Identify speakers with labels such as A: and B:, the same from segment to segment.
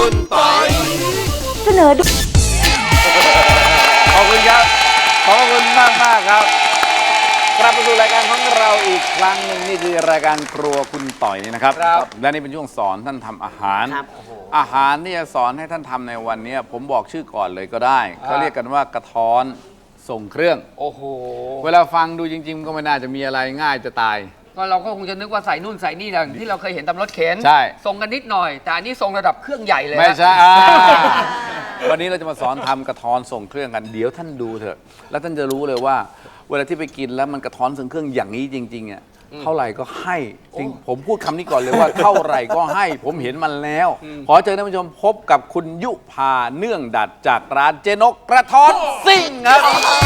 A: คุณปอย
B: เสนอดู
C: ขอบคุณครับขอบคุณมากมากครับกลับมาสู่รายการของเราอีกครั้งหนึ่งนี่คือรายการครัวคุณต่อยนี่นะครับและนี่เป็นช่วงสอนท่านทำอาหารอาหารที่จะสอนให้ท่านทำในวันนี้ผมบอกชื่อก่อนเลยก็ได้เขาเรียกกันว่ากระท้อนส่งเครื่องโอ้โหเวลาฟังดูจริงๆก็ไม่น่าจะมีอะไรง่ายจะตาย
D: ก็เราก็คงจะนึกว่าใส่นู่นใส่นี่อย่างที่เราเคยเห็นตามรถเข็น
C: ใช่
D: ส่งกันนิดหน่อยแต่อันนี้ส่งระดับเครื่องใหญ่เลย
C: ไม่ใช่วันนี้เราจะมาสอนทำกระท้อนส่งเครื่องกันเดี๋ยวท่านดูเถอะแล้วท่านจะรู้เลยว่าเวลาที่ไปกินแล้วมันกระท้อนส่งเครื่องอย่างนี้จริงๆอ่ะเท่าไหร่ก็ให้จริงผมพูดคำนี้ก่อนเลยว่าเท่าไหร่ก็ให้ผมเห็นมันแล้วขอเชิญท่านผู้ชมพบกับคุณยุพาเนื่องดัดจากร้านเจนกกระท้อนซิ่งครับ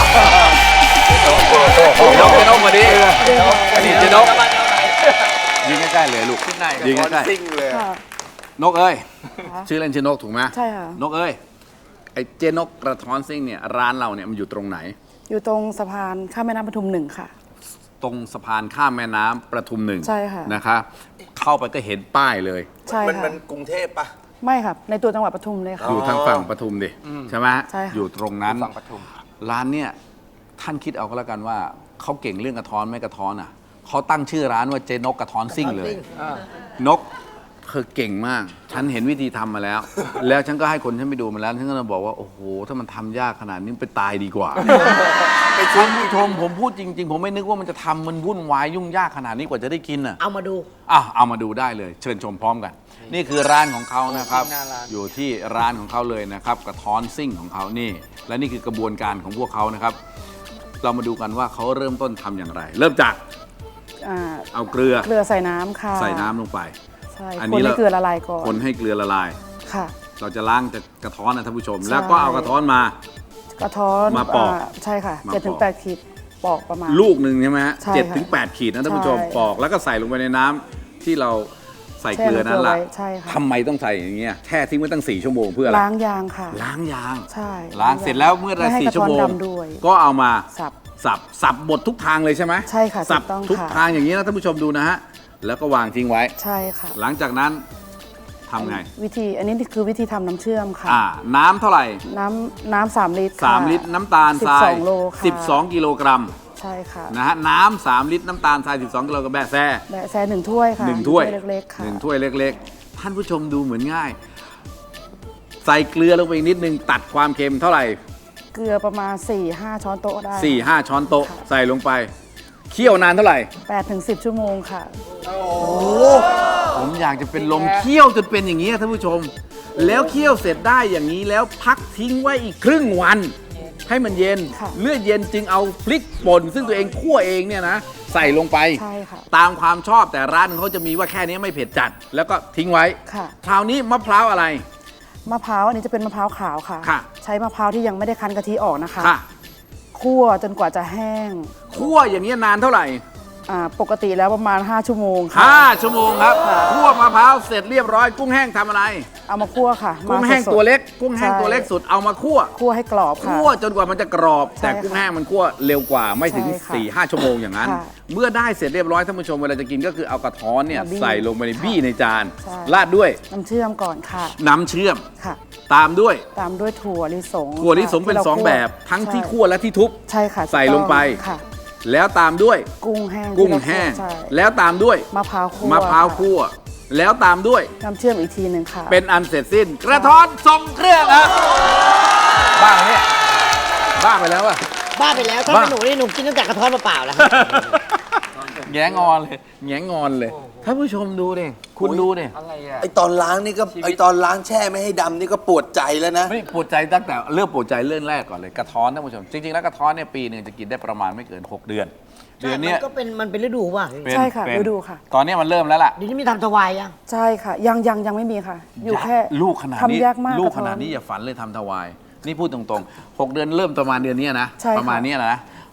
C: เจนกมาดินี่เจนกยิงใกล้ๆเลยลูกยิงใกล้ๆซิ่งเลยนกเอ้ยชื่อเล่นชื่อนกถูกไหม
B: ใช่ค่ะ
C: นกเอ้ยไอ้เจนกกระท้อนซิ่งเนี่ยร้านเราเนี่ยมันอยู่ตรงไหน
B: อยู่ตรงสะพานข้ามแม่น้ำปทุม1ค่ะ
C: ตรงสะพานข้ามแม่น้ำประทุม1
B: ใช่ค่ะ
C: นะคะเข้าไปก็เห็นป้ายเลย
B: ใช่ค่ะ
A: มันกรุงเทพปะ
B: ไม่ครับในตัวจังหวัดปทุมเลยค่ะ
C: อยู่ทางฝั่งปทุมดิใช่ไหม
B: ใช่ค่ะ
C: อยู่ตรงนั้น
D: ฝั่งปทุม
C: ร้านเนี่ยท่านคิดเอาก็แล้วกันว่าเขาเก่งเรื่องกระท้อนไม่กระท้อนอ่ะเขาตั้งชื่อร้านว่าเจนกกระท้อนซิ่งเลยนกเธอเก่งมากฉันเห็นวิธีทำมาแล้ว แล้วฉันก็ให้คนฉันไปดูมาแล้วฉันก็เลยบอกว่าโอ้โหถ้ามันทำยากขนาดนี้ไปตายดีกว่าไปชมผู้ชมผมพูดจริงๆผมไม่นึกว่ามันจะทำมันวุ่นวายยุ่งยากขนาดนี้กว่าจะได้กินอ่ะ
E: เอามาดู
C: เอามาดูได้เลยเชิญชมพร้อมกันนี่คือร้านของเขานะครับอยู่ที่ร้านของเขาเลยนะครับกระท้อนซิ่งของเขานี่และนี่คือกระบวนการของพวกเขานะครับเรามาดูกันว่าเขาเริ่มต้นทำอย่างไรเริ่มจากเอาเกลือ
B: ใส่น้ำค่ะ
C: ใส่น้ำลงไป
B: ใช่คนให้เกลือละลายก่อน
C: คนให้เกลือละลาย
B: ค่ะ
C: เราจะล้างจากกระท้อนนะท่านผู้ชมแล้วก็เอากระท้อนมาก
B: ระท้อน
C: มาปอก
B: ใช่ค่ะ7-8 ขีดปอกประมาณ
C: ลูกหนึ่งใช่ไหมฮะ7-8 ขีดนะท่านผู้ชมปอกแล้วก็ใส่ลงไปในน้ำที่เราใส่เกลือนั้นล่ะทำไมต้องใส่อย่างเงี้ยแช่ทิ้งไว้ตั้ง4 ชั่วโมงเพื่ออะไร
B: ล้างยางค่ะ
C: ล้างยาง
B: ใช่
C: ล้างเสร็จแล้วเมื่อได้4 ชั่วโมงก็เอามาสับหมดทุกทางเลยใช่ไหม
B: ใช่ค่ะ
C: สับทุกทางอย่างนี้นะท่านผู้ชมดูนะฮะแล้วก็วางทิ้งไว้
B: ใช่ค่ะ
C: หลังจากนั้นทำไง
B: วิธีอันนี้คือวิธีทำน้ำเชื่อมค่ะ
C: น้ำเท่าไหร่
B: น้ำ3 ลิตร
C: 3 ลิตรน้ำตาลทราย
B: 12 โลค่ะ
C: 12 กิโลกรัม
B: ใช่ค่ะ
C: นะฮะน้ำ3 ลิตรน้ำตาลทราย12 กิโลกรัมแบะแซ่
B: 1 ถ้วยค่ะ
C: 1 ถ้วย
B: เล็กๆค่ะ
C: 1 ถ้วยเล็กๆท่านผู้ชมดูเหมือนง่ายใส่เกลือลงไปอีกนิดนึงตัดความเค็มเท่าไหร่
B: เกลือประมาณ 4-5 ช้อนโต๊ะได้
C: 4-5 ช้อนโต๊ะใส่ลงไปเคี่ยวนานเท่าไหร่
B: 8-10 ชั่วโมงค่ะ
C: โอ้ผมอยากจะเป็นลมเคี่ยวจนเป็นอย่างนี้ท่านผู้ชมแล้วเคี่ยวเสร็จได้อย่างนี้แล้วพักทิ้งไว้อีกครึ่งวันให้มันเย็นเมื่อเย็นจึงเอาพริกป่นซึ่งตัวเองคั่วเองเนี่ยนะใส่ลงไปตามความชอบแต่ร้านเขาจะมีว่าแค่นี้ไม่เผ็ดจัดแล้วก็ทิ้งไว้คราวนี้มะพร้าวอะไร
B: มะพร้าวอันนี้จะเป็นมะพร้าวขาวค่ะใช้มะพร้าวที่ยังไม่ได้คั้นกะทิออกนะคะคั่วจนกว่าจะแห้ง
C: คั่วอย่างนี้นานเท่าไหร่
B: ปกติแล้วประมาณ5 ชั่วโมงค่ะ
C: 5 ชั่วโมงครับคั่วมะพร้าวเสร็จเรียบร้อยกุ้งแห้งทำอะไร
B: เอามาคั่วค่ะ
C: กุ้งแห้งตัวเล็กกุ้งแห้งตัวเล็กสุดเอามาคั่ว
B: ให้กรอบค่ะ
C: คั่วจนกว่ามันจะกรอบแต่กุ้งแห้งมันคั่วเร็วกว่าไม่ถึง 4-5 ชั่วโมงอย่างนั้นเมื่อได้เสร็จเรียบร้อยท่านผู้ชมเวลาจะกินก็คือเอากระท้อนเนี่ยใส่ลงไปในบี้ในจานราดด้วย
B: น้ำเชื่อมก่อนค่ะ
C: น้ำเชื่อม
B: ค่ะ
C: ตามด้วย
B: ถั่วลิสง
C: เป็น2 แบบทั้งที่คั่วและที่ทุบ
B: ใช่ค่ะ
C: ใส่ลงไปแล้วตามด้วย
B: กุ้งแห้ง
C: แล้วตามด้วย
B: มะพร้าว
C: คั่วแล้วตามด้วย
B: น้ำเชื่อมอีกทีหนึ่งค่ะ
C: เป็นอันเสร็จสิ้นกระท้อนทรงเครื่องครับบ้าเนี่ยบ้าไปแล้วอะ
E: บ้าไปแล้วถ้าเป็นหนูนี่หนูกินตั้งแต่กระท้อนเปล่าๆแล้ว
C: แงงอนเลยท่านผู้ชมดูดิคุณดูดิ
A: ไอตอนล้างนี่ก็ไอตอนล้างแช่ไม่ให้ดำนี่ก็ปวดใจแล้วนะ
C: ไม่ปวดใจตั้งแต่เริ่มปวดใจเรื่องแรกก่อนเลยกระท้อนท่านผู้ชมจริงๆแล้วกระท้อนเนี่ยปีนึงจะกินได้ประมาณไม่เกิน6 เดือน
E: นี้มันเป็นฤดูป่ะ
B: ใช่ค่ะฤดูค่ะ
C: ตอนนี้มันเริ่มแล้วล่ะ
E: เดี๋ยวนี้มีทำถวายยัง
B: ใช่ค่ะยังไม่มีค่ะอยู่แค่
C: ลูกขนาดนี้
B: ทำยากมาก
C: ลูกขนาดนี้อย่าฝันเลยทำถวายนี่พูดตรงๆ6 เดือนเริ่มประมาณเดือนนี้นะประมาณนี้นะ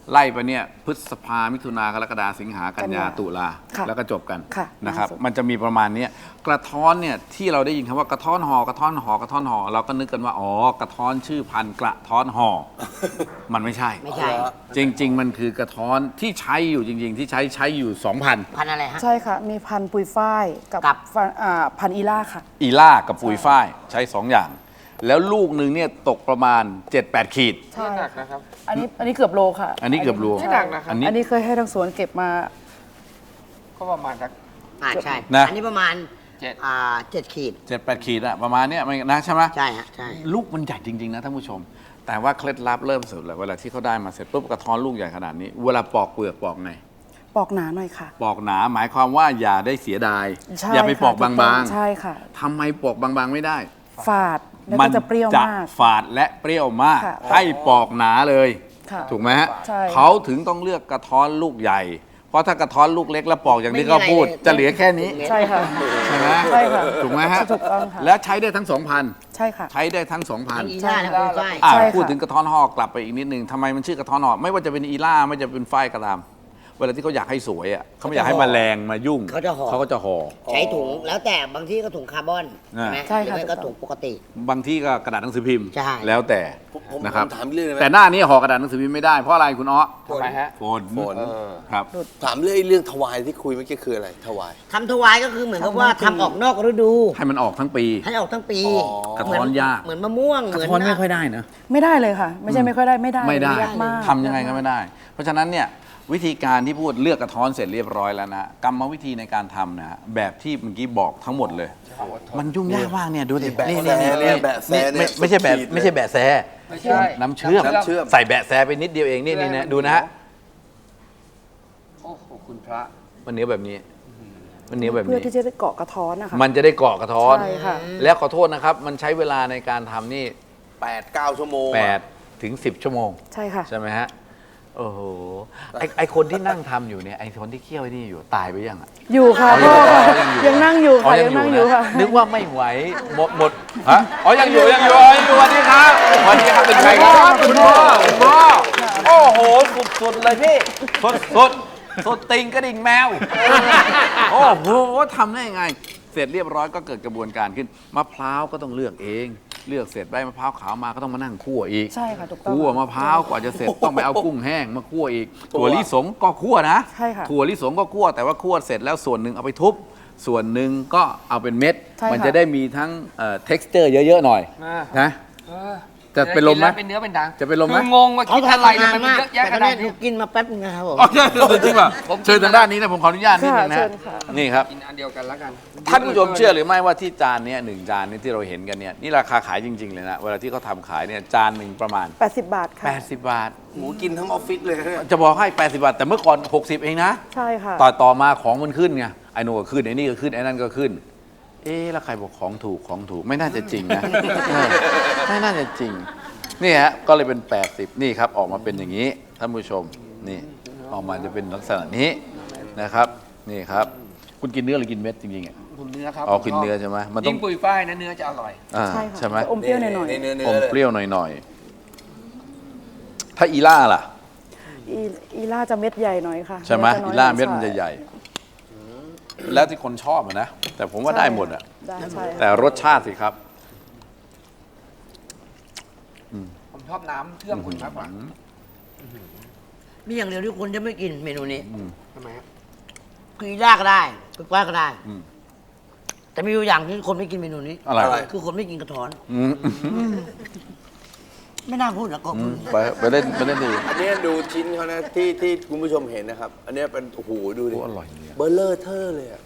C: ไล่ไปเนี่ยพฤษภามิถุนากรกฎาสิงหากันยาตุลา
B: ค่ะ
C: แล้วก็จบกัน
B: ค่ะ
C: นะครับ
B: ล่าสุด
C: มันจะมีประมาณเนี้ยกระท้อนเนี่ยที่เราได้ยินคำว่ากระท้อนห่อกระท้อนห่อกระท้อนห่อเราก็นึกกันว่าอ๋อกระท้อนชื่อพันธุ์กระท้อนห่อ มันไม่ใช่
E: ไม่ใช่
C: จริง ๆ มันคือกระท้อนที่ใช้อยู่จริง ๆ ที่ใช้อยู่ 2,000
E: พันธุ์อะไรฮะ
B: ใช่ค่ะ มีพันธุ์ปุยฝ้ายกับ
E: กับ
B: พันธุ์อีล่าค่ะ
C: อีล่ากับปุยฝ้ายใช้ 2 อย่าง แล้วลูกหนึ่งเนี่ยตกประมาณ 7-8 ขีด
B: ใช่
D: หนักนะครับ
B: อันนี้เกือบโลค่ะ
C: อันนี้เกือบโล
B: ใช่
D: หนักนะครับ
B: อันนี้เคยให้ทางสวนเก็บมา
D: ก็ประมาณสัก
E: ใช่
C: นะ
E: อันนี้ประมาณ
D: 7
E: 7 ขีด
C: 7-8 ขีดอะประมาณเนี้ยมันนะใช่ไหม
E: ใช่ฮะใช่
C: ลูกมันใหญ่จริง ๆ นะท่านผู้ชม แต่ว่าเคล็ดลับเริ่มสุดเลยเวลาที่เขาได้มาเสร็จปุ๊บกระท้อนลูกใหญ่ขนาดนี้ เวลาปอกเปลือกปอกไง
B: ปอกหนาหน่อยค่ะ
C: ปอกหนาหมายความว่าอย่าได้เสียดาย
B: ใช่
C: อย่าไป
B: ค่ะ
C: ปอกบาง
B: ใช่ค่ะ
C: ๆทำไมปอกบางๆไม่ได้
B: ฝาดแล้วก็จะเปรี้ยวมาก
C: ฝาดและเปรี้ยวมาก
B: ค่ะ
C: ให้ปอกหนาเลย
B: ค่ะ
C: ถูกไหมฮะ
B: ใช่
C: เขาถึงต้องเลือกกระท้อนลูกใหญ่ เพราะถ้ากระท้อนลูกเล็กแล้วปอกอย่างที่เขาพูด จะเหลือแค่นี้
B: ใช่ค่ะ
C: ใช่ไหม
B: ใช่ค่ะ
C: ถูกไหมฮะ
B: ถูกต้องค่ะ
C: และใช้ได้ทั้ง 2,000
B: ใช่ค่ะ
C: ใช้ได้ทั้ง
E: ทั้ง
C: 2,000
E: อีล่าและปุยฝ้าย
C: อ่ะ
B: ใช่ค่ะ
C: พูดถึงกระท้อนห่อกลับไปอีกนิดนึงทำไมมันชื่อกระท้อนห่อไม่ว่าจะเป็นอีล่าไม่ว่าจะเป็นฝ้ายก็ตามเวลาที่เขาอยากให้สวยอ่ะเขาไม่อยากให้แมลงมายุ่ง
E: เขาจะห่อ
C: เขาก็จะห่อ
E: ใช้ถุงแล้วแต่บางที่ก็ถุงคาร์บอน
C: อ่า
E: ใช่ไหม
B: ใช่ค่ะ
E: หรือไม่ก็ถุงปกติ
C: บางที่ก็กระดาษหนังสือพิมพ์
E: ใช่
C: แล้วแต่
A: ผม
C: นะครับ
A: ถามเรื่องอะไร
C: แต่หน้านี้ห่อกระดาษหนังสือพิมพ์ไม่ได้เพราะอะไรคุณอ้อ
D: ทำไมฮะ
C: ฝน
A: ฝน
C: ครับ
A: ถามเรื่องถวายที่คุยเมื่อกี้คืออะไรถวาย
E: ทำถวายก็คือเหมือนกับว่าทำออกนอกฤดู
C: ให้มันออกทั้งปี
E: ให้ออกทั้งปี
A: อ๋อ
C: กระท้อนยาก
E: เหมือนมะม่วง
C: ก
E: เห
C: ระ
E: มือน
C: ท้อนไม่ค่อยได้นะ
B: ไม่ได้เลยค่ะ ไม่ใช่ไม่ค่อยได้ไม่ได้
C: ไม่ได้
B: ยากมาก
C: ทำยังไงก็ไม่ได้ เพราะฉะนั้นเนี่ยวิธีการที่พูดเลือกกระท้อนเสร็จเรียบร้อยแล้วนะกรรมวิธีในการทำนะแบบที่เมื่อกี้บอกทั้งหมดเลย มันยุ่งยากมากเนี่ยดูดิ
A: แบะแซเนี่ยแบะแซเนี่ย
C: ไม่ใช่แบบ
A: ขีดเลย
C: ไม่ใช่แบะแซ
D: ไม่ใช่
C: น้ำเชื่อม
A: น้ำเชื่อม
C: ใส่แบะแซไปนิดเดียวเองนี่นะดูนะฮะ
D: โอ้โหคุณพระ
C: มันเหนียวแบบนี้มันเหนียวแบบ
B: เพื่อ
C: นี้
B: ที่จะได้เกาะกระท้อนนะคะ
C: มันจะได้เกาะกระท้อน
B: ใช่ค่ะ
C: แล้วขอโทษนะครับ มันใช้เวลาในการทำนี่
A: 8-9 ชั่วโมง
C: 8 ถึง 10 ชั่วโมง
B: ใช่ค่ะ
C: ใช่ไหมฮะ โอ้โห ไอคนที่นั่งทำอยู่เนี่ย ไอคนที่เคี่ยวไอ้นี่อยู่ตายไปยังอ่ะ
B: อยู่ค่ะ
C: อ๋อ
B: พ่อ
C: ยังนั่งอยู่
B: ยังนั่งอยู่ค่ะ ยังนั่งอยู่ค่ะ
C: นึกว่าไม่ไหว หมด ฮะ อ๋อ ยังอยู่สวัสดีครับสวัสดีครับ เป็นใครครับคุณพ่อโอ้โห สุดๆเลยพี่ สุดติงกระดิ่งแมว โอ้โหทำได้ยังไง เสร็จเรียบร้อยก็เกิดกระบวนการขึ้น มะพร้าวก็ต้องเลือกเอง เลือกเสร็จได้มะพร้าวขาวมาก็ต้องมานั่งคั่วอีก
B: ใช่ค่ะถูกต้อง
C: คั่วมะพร้าวกว่าจะเสร็จต้องไปเอากุ้งแห้งมาคั่วอีก ถั่วลิสงก็คั่วนะ
B: ใช่ค่ะ
C: ถั่วลิสงก็คั่วแต่ว่าคั่วเสร็จแล้วส่วนหนึ่งเอาไปทุบ ส่วนหนึ่งก็เอาเป็นเม็ด
B: ใช่ค่ะ
C: มันจะได้มีทั้งtexture เยอะๆหน่อย
D: อ่า
C: นะ
D: เออ
C: จะเป็นลมไหม
D: เป็นเนื้อเป็นดัง
C: จะเป็นลมไหม
D: คืองงว่าคิดอะไรเนี่ยมันเยอะแยะข
E: แต่
D: นา
E: เนี่
D: ด
E: ยหนู
D: นี้
E: กินมาแป๊บนึงนะครับผม
C: อ๋อใช่จริงป่ะเชิญทางด้านนี้นะผมขออนุญาตนิดนึงนะ
B: ค่ะเชิญค่ะ
C: นี่ครับ
D: กินอันเดียวกันแล้วกัน
C: ท่านผู้ชมเชื่อหรือไม่ว่าที่จานเนี้ย1 จานนี้ที่เราเห็นกันเนี่ยนี่ราคาขายจริง ๆ เลยนะ เวลาที่เขาทำขายเนี่ยจานหนึ่งประมาณ
B: 80 บาทค่ะ
C: 80 บาท
A: หมูกินทั้งออฟฟิศเลยเนี่ย
C: จะบอกให้ 80 บาท แต่เมื่อก่อน 60 เองนะ
B: ใช่ค่ะ
C: ต่อมาของมันขึ้นไงไอ้นู่นก็ขึ้นไอ้นี่ก็ขึ้นไอ้นั่นก็ขึ้น เอ๊ะแล้วใครบอกของถูกไม่น่าจะจริงนะ ไม่น่าจะจริงนี่ฮะก็เลยเป็น 80 นี่ครับออกมาเป็นอย่างนี้ท่านผู้ชมนี่ออกมาจะเป็นลักษณะนี้นะครับนี่ครับ คุณกินเนื้อหรือกินเม็ดจริงๆอ่ะ
D: คุณเนื้อครับ
C: อ๋อกินเนื้อใช่ไหมมันต้อ
D: ยิ่
C: ง
D: งปุยฝ้ายนะเนื้อจะอร่อย
C: อ่า
B: ใช่ค่ะ
C: ใช่ไหม
B: จะอมเปรี้ยวหน่อย
A: เนื้อ
C: อม
A: เลย
C: เปรี้ยวหน่อยๆถ้าอีล่าล่ะ
B: ๆอีล่าจะเม็ดใหญ่หน่อยค่ะ
C: ใช่ไหม
B: จะน้
C: อี
B: ย
C: ล่าเม็ด
B: ใช่
C: มันจะใหญ่ แล้วที่คนชอบอะนะแต่ผมว่าได้หมดอะ
B: ได้ใช่ค่ะ
C: แต่รสชาติสิครับ
D: ผมชอบน้ำเชื่อมคุณมากกว่า
E: มีอย่างเดียวที่คนจะไม่กินเมนูนี้
D: ทำไมฮะ
E: คืออีล่าก็ได้ปุยฝ้ายก็ได้
C: อืม
E: แต่มีอยู่อย่างที่คนไม่กินเมนูนี้
C: อะไร
E: คือคนไม่กินกระท้อน
C: อืม
E: ไม่น่าพูดนะก็พูด
C: ไปเล่นดี
A: อันนี้ดูชิ้นเขานะที่คุณผู้ชมเห็นนะครับ อันนี้เป็นโอ้โหดูดิ
C: โอ้อร่อยเนี่ย
A: เบอร์เลอร์เทอร์เลยอะ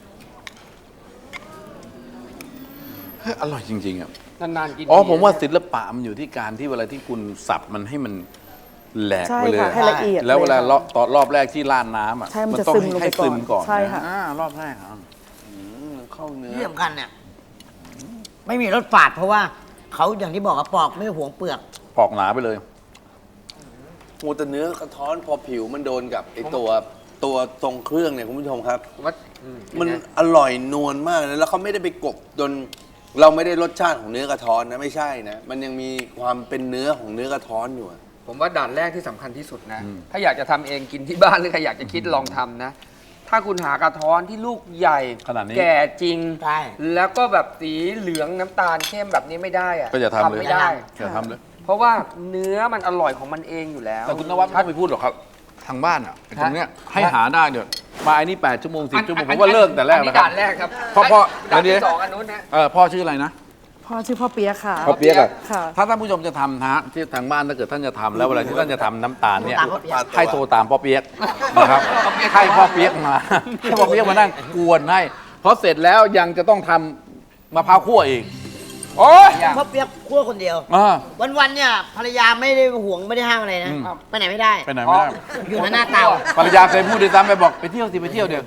C: เฮ้ยอร่อยจริงๆอ่ะ
D: นานๆกิน
C: อ๋อ
D: ที
C: ผมว่าศิลปะมันอยู่ที่การที่เวลาที่คุณสับมันให้มันแหลก
B: ใช่
C: ไปเลย
B: ค่ะให้ละเอียด
C: แล้วเวลา
B: ค่ะ
C: ตอนรอบแรกที่ราดน้ำอ่ะ
B: ใช่มันจะ
C: ต้อง
B: ซึมลงไป
C: ให้ซึมก่อน
B: ใช่ค่ะ
C: รอบแรกอ่ะ
A: เข้าเนื้อ
E: ที่สำคัญเนี่ยไม่มีรสฝาดเพราะว่าเขาอย่างที่บอกว่าปอกไม่หวงเปลือก
C: ปอกหนาไปเลย
A: โอ้แต่เนื้อกระท้อนพอผิวมันโดนกับไอตัวทรงเครื่องเนี่ยคุณผู้ชมครับ
D: ว่า
A: มันอร่อยนวลมากเลยแล้วเขาไม่ได้ไปกบจนเราไม่ได้รสชาติของเนื้อกระท้อนนะไม่ใช่นะ มันยังมีความเป็นเนื้อของเนื้อกระท้อนอยู่อะ
D: ผมว่าด่านแรกที่สำคัญที่สุดนะ ถ้าอยากจะทำเองกินที่บ้านหรือใครอยากจะคิดลองทำนะ ถ้าคุณหากระท้อนที่ลูกใหญ่
C: ขนาดนี้
D: แก่จริง
E: ใช่
D: แล้วก็แบบสีเหลืองน้ำตาลเข้มแบบนี้ไม่ได้อะ
C: ก็อย่าทำเลย
D: ไม่ได้
C: อย่าทำเลย
D: เพราะว่าเนื้อมันอร่อยของมันเองอยู่แล้ว
C: แต่คุณนวัดไม่ต้องไปพูดหรอกครับ ทางบ้านอ่ะไอ้ตรงเนี้ยให้หาได้เดี๋ยวมาไอ้นี่8 ชั่วโมง 10 ชั่วโมงผมว่าเลิกแต่แรก
D: อัน
C: แล้ว
D: นี้
C: ครั
D: ด่านแรกครับ
C: พ่อ
D: ด่าน
C: เดี๋ยว
D: ที่สองอันนู้นนะ
C: พ่อชื่ออะไรนะ
B: พ่อชื่อพ่อเปียกค่ะ
C: พ่อเปี๊ยกอะ
B: ค่ะ
C: ถ้าท่านผู้ชมจะทำนะฮะที่ทางบ้านถ้าเกิดท่านจะทำแล้วเวลาที่ท่านจะทำน้ำตาลเนี่ย
E: ตามพ่อเปี๊ยก
C: ให้โทรตามพ่อเปี๊ยกนะครับให้พ่อเปี๊ยกมาให้พ่อเปี๊ยกมานั่งกวนให้เพราะเสร็จแล้วยังจะต้องทำมะพร้าวคั่วอีกโอ้ย
E: พ่อเปียกคั่วคนเดียว วันๆเนี่ยภรรยาไม่ได้ห่วงไม่ได้ห้ามอะไรนะ ไปไหนไม่ได้
C: ไปไหนไม่ได้
E: อยู่หน้าเตา
C: ภรรยาเคยพูดด้วยซ้ำไปบอกไปเที่ยวสิไปเที่ยวเดี๋ยว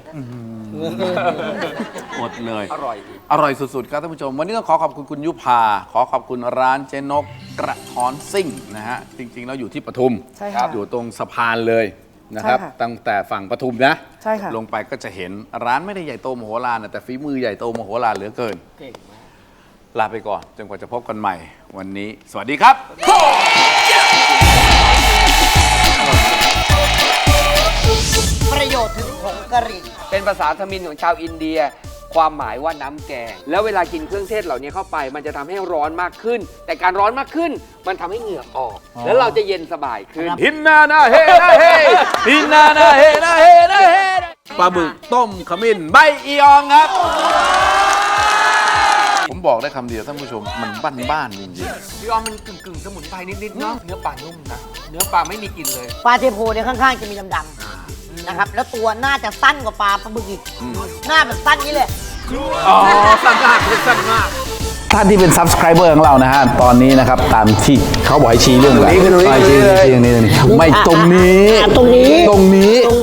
C: อดเลย
D: อร่อย
C: อร่อยสุดๆครับท่านผู้ชม วันนี้ต้องขอขอบคุณคุณยุพาขอขอบคุณร้านเจ๊นกกระท้อนซิ่งนะฮะจริงๆแล้วอยู่ที่ปทุม
B: ใช่ค่ะ
C: อยู่ตรงสะพานเลยนะครับ
B: ใช่ค่ะ
C: ตั้งแต่ฝั่งปทุมนะ
B: ใช่ค่ะ
C: ลงไปก็จะเห็นร้านไม่ได้ใหญ่โตมโหฬารนะแต่ฝีมือใหญ่โตมโหฬารเหลือเกิน
D: เก่งมาก
C: ลาไปก่อนจนกว่าจะพบกันใหม่ วันนี้ สวัสดีครับ
E: ประโยชน์ถึงผงกะหรี่
D: เป็นภาษาทมิฬของชาวอินเดีย ความหมายว่าน้ำแกง แล้วเวลากินเครื่องเทศเหล่านี้เข้าไป มันจะทำให้ร้อนมากขึ้น แต่การร้อนมากขึ้น มันทำให้เหงื่อออก แล้วเราจะเย็นสบายขึ้น
C: หินนานาเฮนาเฮหินนานาเฮนาเฮนาเฮปลาบึกต้มขมิ้นใบอีอองครับ ผมบอกได้คำเดียวท่านผู้ชมมันบ้านๆจริงๆ
D: พี่ออมมันกึ่งสมุนไพรนิดๆเนาะ เนื้อปลานุ่มนะ เนื้อปลาไม่มีกลิ่นเลย
E: ปลาเทโพเนี่ยข้างๆจะมีดำๆนะครับ แล้วตัวน่าจะสั้นกว่าปลาบึกอีก หน้าแบบสั้นนี้เลย
C: อ๋อ สั้นมากสั้นมาก ท่านที่เป็น subscriber ของเรานะฮะ ตอนนี้นะครับ ตามที่เขาบอกให้ชี้เรื่องอะไรชี้ไม่ตรงนี้
E: ตรงนี้
C: ตรงนี้